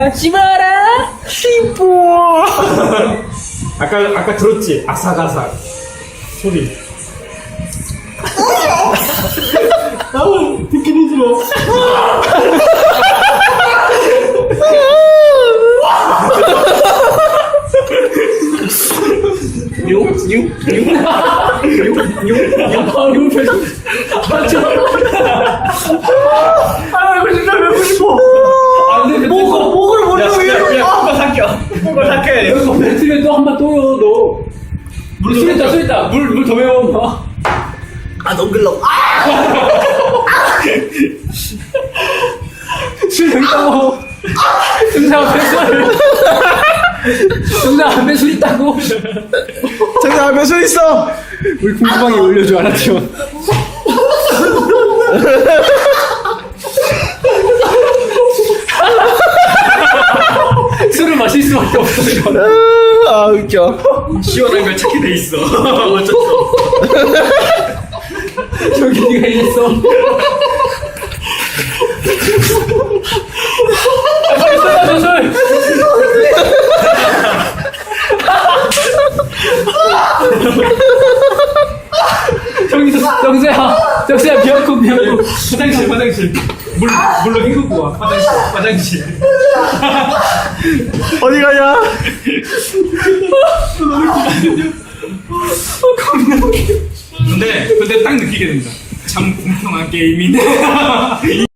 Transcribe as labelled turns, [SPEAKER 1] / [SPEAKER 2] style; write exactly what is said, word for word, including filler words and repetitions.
[SPEAKER 1] 하지 마라
[SPEAKER 2] 시보.
[SPEAKER 3] 아까 아까 들었지? 아삭아삭 소리. 나는 듣기는 싫어.
[SPEAKER 1] 육육육육육육육 표정
[SPEAKER 3] 아 이거 진짜 배고 싶어.
[SPEAKER 1] 안돼
[SPEAKER 3] 목을 목을 못
[SPEAKER 2] 야,
[SPEAKER 3] 려.
[SPEAKER 2] 야, 그거 삭혀. 그거 삭혀야 돼.
[SPEAKER 1] 이거 뱉으면 또 한 번 또요 너 물, 술 있다, 술 있다. 물, 물 더 매워.
[SPEAKER 2] 아, 너무 글러.
[SPEAKER 1] 술 여기 있다고. 정상 앞에 술. 정상 앞에 술 있다고.
[SPEAKER 2] 정상 앞에 술 있어.
[SPEAKER 1] 우리 궁금하게 올려줘, 알았죠? 술을 마실 수밖에 없어, 이거.
[SPEAKER 2] 아, 웃겨.
[SPEAKER 3] 시원한 걸 찾게 돼 있어. 어쩌어.
[SPEAKER 1] 저기 네가 이랬어. 아, 빨리 술 마셔, 술. 정수, 정수야, 정수야, 미역국, 미역국.
[SPEAKER 3] 화장실 화장실. 물 물로 헹구고 와. 화장실 화장실.
[SPEAKER 2] 어디 가냐?
[SPEAKER 3] 근데 근데 딱 느끼게 된다. 참 공평한 게임이네.